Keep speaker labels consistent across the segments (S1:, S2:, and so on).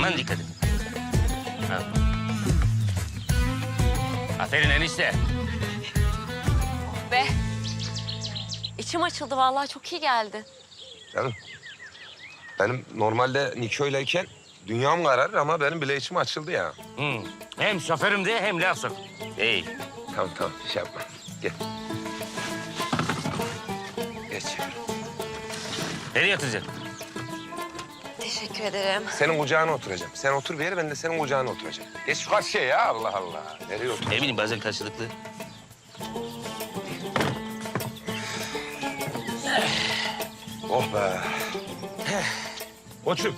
S1: Aman dikkat et. Ha. Aferin enişte.
S2: Be. İçim açıldı vallahi çok iyi geldi.
S3: Canım, benim normalde Niko'yleyken dünyam kararır ama benim bile içim açıldı ya.
S1: Hem şoförüm de hem laf sok. İyi.
S3: Tamam, şey yapma. Gel. Geç.
S1: Nereye yatıracaksın?
S2: Teşekkür ederim.
S3: Senin kucağına oturacağım. Sen otur bir yere, ben de senin kucağına oturacağım. Geç şu karşıya ya, Allah Allah. Nereye otur?
S1: Ne bileyim bazen karşılıklı.
S3: Oh be. Koçum.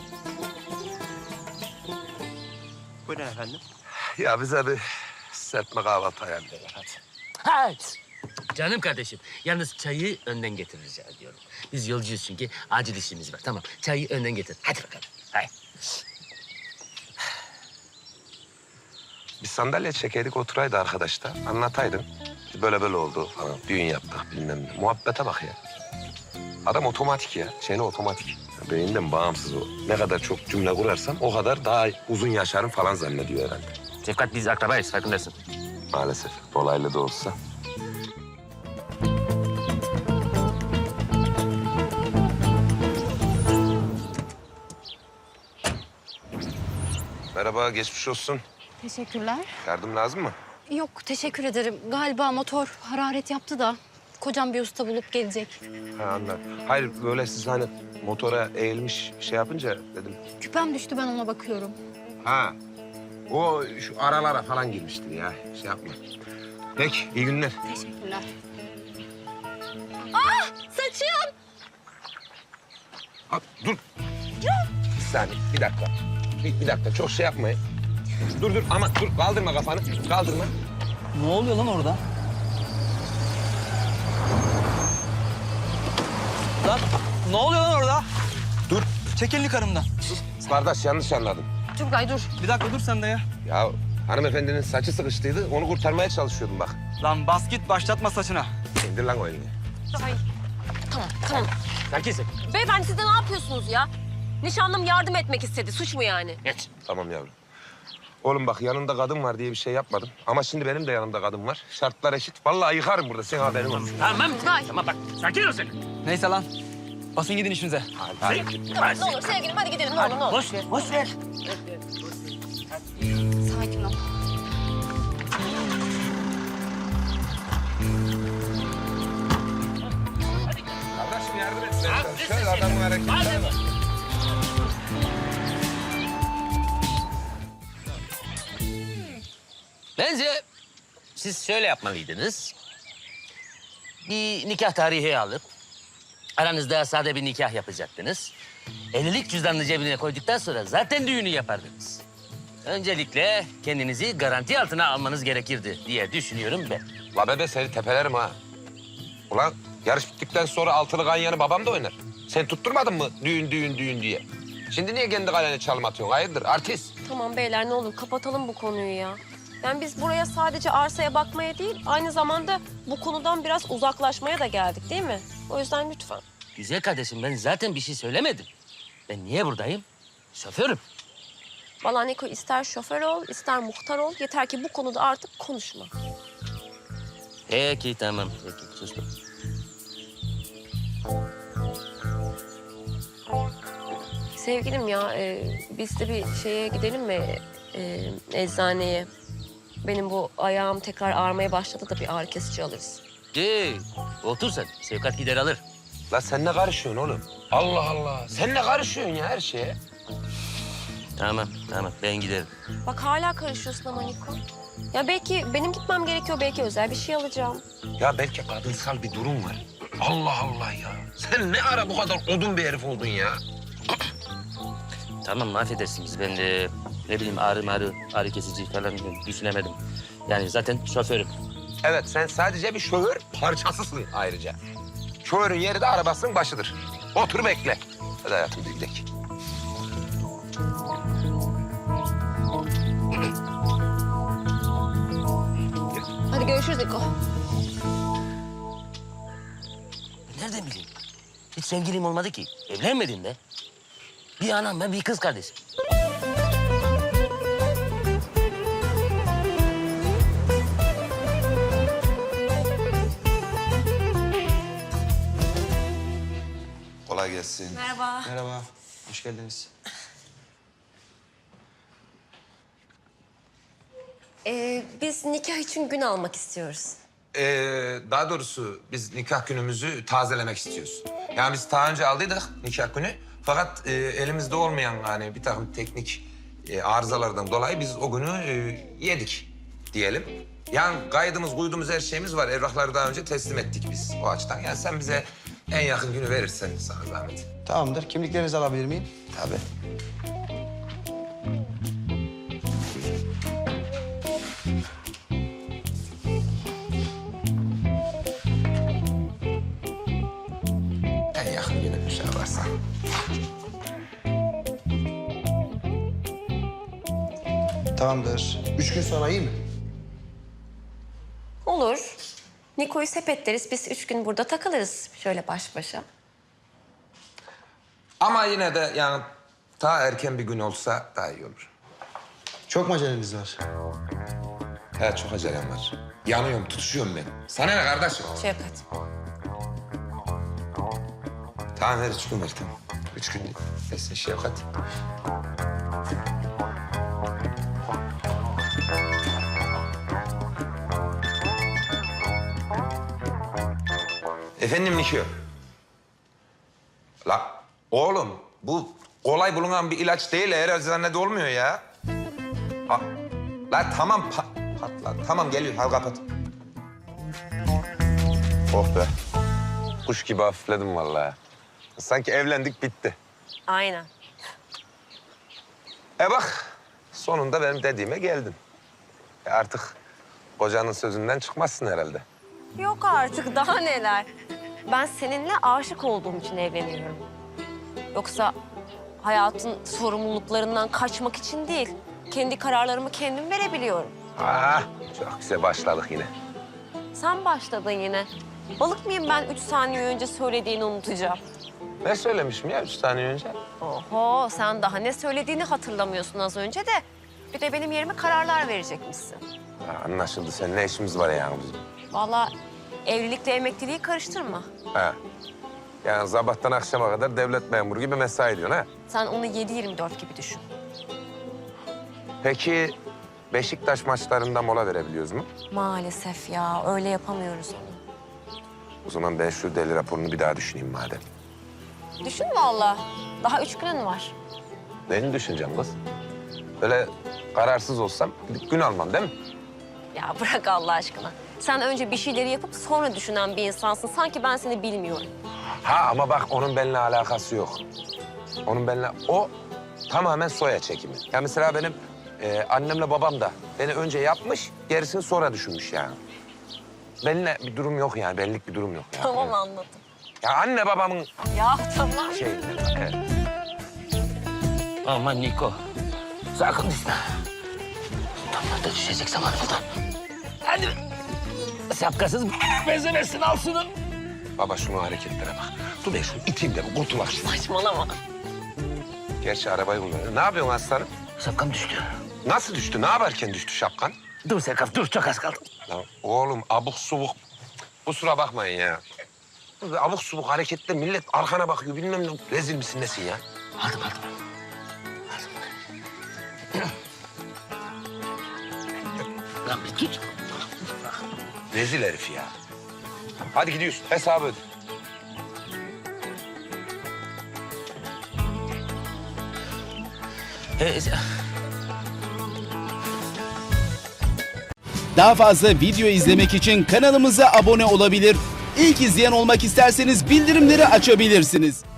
S4: Buyurun efendim.
S3: Ya bize bir serpme kahvaltı ayarlayalım hadi.
S1: Ha. Canım kardeşim, yalnız çayı önden getir rica ediyorum. Biz yolcuyuz çünkü acil işimiz var. Tamam, çayı önden getir. Hadi bakalım. Hayır.
S3: Bir sandalye çekeydik oturaydı arkadaş da. Anlataydın. Böyle böyle oldu falan. Düğün yaptık bilmem ne. Muhabbete bak ya. Adam otomatik ya. Şeyle otomatik. Beyinden bağımsız o. Ne kadar çok cümle kurarsam o kadar daha uzun yaşarım falan zannediyor herhalde.
S1: Şefkat biz akrabayız, farkındasın.
S3: Maalesef. Dolaylı da olsa. Merhaba, geçmiş olsun.
S5: Teşekkürler.
S3: Yardım lazım mı?
S5: Yok, teşekkür ederim. Galiba motor hararet yaptı da kocam bir usta bulup gelecek.
S3: Ha anladım. Hayır, böyle siz hani motora eğilmiş şey yapınca dedim.
S5: Küpem düştü, ben ona bakıyorum.
S3: Ha, o şu aralara falan girmiştir ya. Şey yapma. Peki, iyi günler.
S5: Teşekkürler. Ah, saçım!
S3: Ha, dur. Bir saniye, bir dakika. Bir dakika, çok şey yapmayın. Dur ama dur, kaldırma kafanı. Kaldırma.
S4: Ne oluyor lan orada? Lan ne oluyor lan orada?
S3: Dur.
S4: Çek elini karımdan.
S3: Kardeş, yanlış anladın.
S5: Turgay dur.
S4: Bir dakika dur sen de ya.
S3: Ya hanımefendinin saçı sıkıştıydı, onu kurtarmaya çalışıyordum bak.
S4: Lan bas git başlatma saçına.
S3: İndir lan o elini.
S2: Tamam.
S1: Sakinsin.
S2: Beyefendi siz de ne yapıyorsunuz ya? Nişanlım yardım etmek istedi. Suç mu yani?
S1: Geç.
S3: Tamam yavrum. Oğlum bak, yanında kadın var diye bir şey yapmadım. Ama şimdi benim de yanımda kadın var. Şartlar eşit. Vallahi yıkarım burada, senin haberin olsun.
S1: Tamam.
S2: Hayır.
S1: Tamam bak, sakin ol sen.
S4: Neyse lan. Basın gidin işinize.
S3: Hadi.
S2: Tamam, ne olur sevgilim hadi gidelim ne olur ne olur.
S1: Boş ver, boş ver.
S5: Sakin ol.
S3: Kardeşim yardım et. Şöyle adamın hareketine bak.
S1: Bence siz şöyle yapmalıydınız. Bir nikah tarihi alıp aranızda sade bir nikah yapacaktınız. Evlilik cüzdanını cebine koyduktan sonra zaten düğünü yapardınız. Öncelikle kendinizi garanti altına almanız gerekirdi diye düşünüyorum ben.
S3: La bebe, seni tepelerim ha. Ulan yarış bittikten sonra altılı ganyanı babam da oynar. Sen tutturmadın mı düğün diye? Şimdi niye kendi kalene çalım atıyorsun? Hayırdır artist?
S2: Tamam beyler ne olur kapatalım bu konuyu ya. Yani biz buraya sadece arsaya bakmaya değil, aynı zamanda bu konudan biraz uzaklaşmaya da geldik değil mi? O yüzden lütfen.
S1: Güzel kardeşim ben zaten bir şey söylemedim. Ben niye buradayım? Şoförüm.
S2: Vallahi Niko ister şoför ol, ister muhtar ol. Yeter ki bu konuda artık konuşma.
S1: Peki tamam. Peki sustum.
S2: Sevgilim ya, biz de bir şeye gidelim mi? Eczaneye. Benim bu ayağım tekrar ağrımaya başladı da bir ağrı kesici alırız.
S1: Otur sen. Sevkat gider alır.
S3: La sen ne karışıyorsun oğlum? Allah Allah. Sen ne karışıyorsun ya her şeye?
S1: Tamam ben giderim.
S2: Bak hala karışıyorsun ama Niko. Ya belki benim gitmem gerekiyor, belki özel bir şey alacağım.
S3: Ya belki kadınsal bir durum var. Allah Allah ya. Sen ne ara bu kadar odun bir herif oldun ya?
S1: Tamam affedersiniz ben de ne bileyim ağrı kesici falan düşünemedim. Yani zaten şoförüm.
S3: Evet, sen sadece bir şoför parçasısın ayrıca. Şoförün yeri de arabasının başıdır. Otur bekle. Hadi hayatım bir gidelim.
S2: Hadi görüşürüz Niko.
S1: Nereden bileyim? Hiç sevgilim olmadı ki. Evlenmedim de. Bir anam ben bir kız kardeşim.
S3: Kolay gelsin.
S2: Merhaba.
S4: Merhaba. Hoş geldiniz.
S2: Biz nikah için gün almak istiyoruz.
S3: Daha doğrusu biz nikah günümüzü tazelemek istiyoruz. Yani biz daha önce aldıydık nikah günü. Fakat elimizde olmayan yani bir takım teknik arızalardan dolayı biz o günü yedik diyelim. Yani kaydımız, kuydumuz, her şeyimiz var. Evrakları daha önce teslim ettik biz o açıdan. Yani sen bize en yakın günü verirsen sana zahmet.
S6: Tamamdır. Kimliklerinizi alabilir miyim?
S3: Tabii. En yakın günü şey varsa.
S6: Tamamdır. 3 gün sonra iyi mi?
S2: Olur. Niko'yu sepetleriz. Biz 3 gün burada takılırız şöyle baş başa.
S3: Ama yine de yani daha erken bir gün olsa daha iyi olur.
S6: Çok mu aceleniz var?
S3: He, çok acelem var. Yanıyorum, tutuşuyorum ben. Sana ne kardeşim?
S2: Şevkat.
S3: Tamam ver 3 gün ver tamam. 3 gün versin Şevkat. Efendim Nikio. La oğlum bu kolay bulunan bir ilaç değil. Her eczanede olmuyor ya. La tamam patla. Tamam geliyor. Al kapat. Oh be. Kuş gibi hafifledim vallahi. Sanki evlendik bitti.
S2: Aynen.
S3: Bak sonunda benim dediğime geldin. Artık kocanın sözünden çıkmazsın herhalde.
S2: Yok artık daha neler. Ben seninle aşık olduğum için evleniyorum. Yoksa hayatın sorumluluklarından kaçmak için değil. Kendi kararlarımı kendim verebiliyorum.
S3: Çok güzel başladık yine.
S2: Sen başladın yine. Balık mıyım ben 3 saniye önce söylediğini unutacağım?
S3: Ne söylemişim ya 3 saniye önce?
S2: Oho sen daha ne söylediğini hatırlamıyorsun az önce de. Bir de benim yerime kararlar verecekmişsin.
S3: Anlaşıldı. Senin ne işimiz var yani bizim?
S2: Vallahi evlilikle emekliliği karıştırma.
S3: Ha. Yani sabahtan akşama kadar devlet memuru gibi mesai ediyorsun ha?
S2: Sen onu 7-24 gibi düşün.
S3: Peki Beşiktaş maçlarında mola verebiliyoruz mu?
S2: Maalesef ya öyle yapamıyoruz onu.
S3: O zaman ben şu deli raporunu bir daha düşüneyim madem.
S2: Düşün vallahi. Daha 3 günün var.
S3: Neyini düşüneceğim kız? Böyle kararsız olsam gidip gün almam değil mi?
S2: Ya bırak Allah aşkına. Sen önce bir şeyleri yapıp sonra düşünen bir insansın. Sanki ben seni bilmiyorum.
S3: Ha ama bak onun benimle alakası yok. Onun benimle... O tamamen soya çekimi. Ya mesela benim annemle babam da beni önce yapmış, gerisini sonra düşünmüş yani. Benimle bir durum yok yani, benlik bir durum yok. Yani.
S2: Tamam anladım.
S3: Ya anne babamın
S2: Ya tamam.
S3: şey... Evet.
S1: Aman Niko. Sakın düşme. Damlarda düşecek zaman buradan. Hadi. Şapkasız bezemezsin al şunu.
S3: Baba şunu hareketlere bak. Dur ben şunu iteyim de bu kurtulak şunu.
S2: Saçmalama.
S3: Gerçi arabayı kullanıyor. Ne yapıyorsun aslanım?
S1: Şapkam düştü.
S3: Nasıl düştü? Ne yaparken düştü şapkan?
S1: Dur Serkaf dur çok az kaldı.
S3: Lan oğlum abuk subuk. Kusura bakmayın ya. Böyle abuk subuk hareketler millet arkana bakıyor bilmem ne. Rezil misin nesin ya?
S1: Aldım. Lan bir tut.
S3: Rezil herif ya. Hadi gidiyoruz. Hesabı öde.
S7: Daha fazla video izlemek için kanalımıza abone olabilir. İlk izleyen olmak isterseniz bildirimleri açabilirsiniz.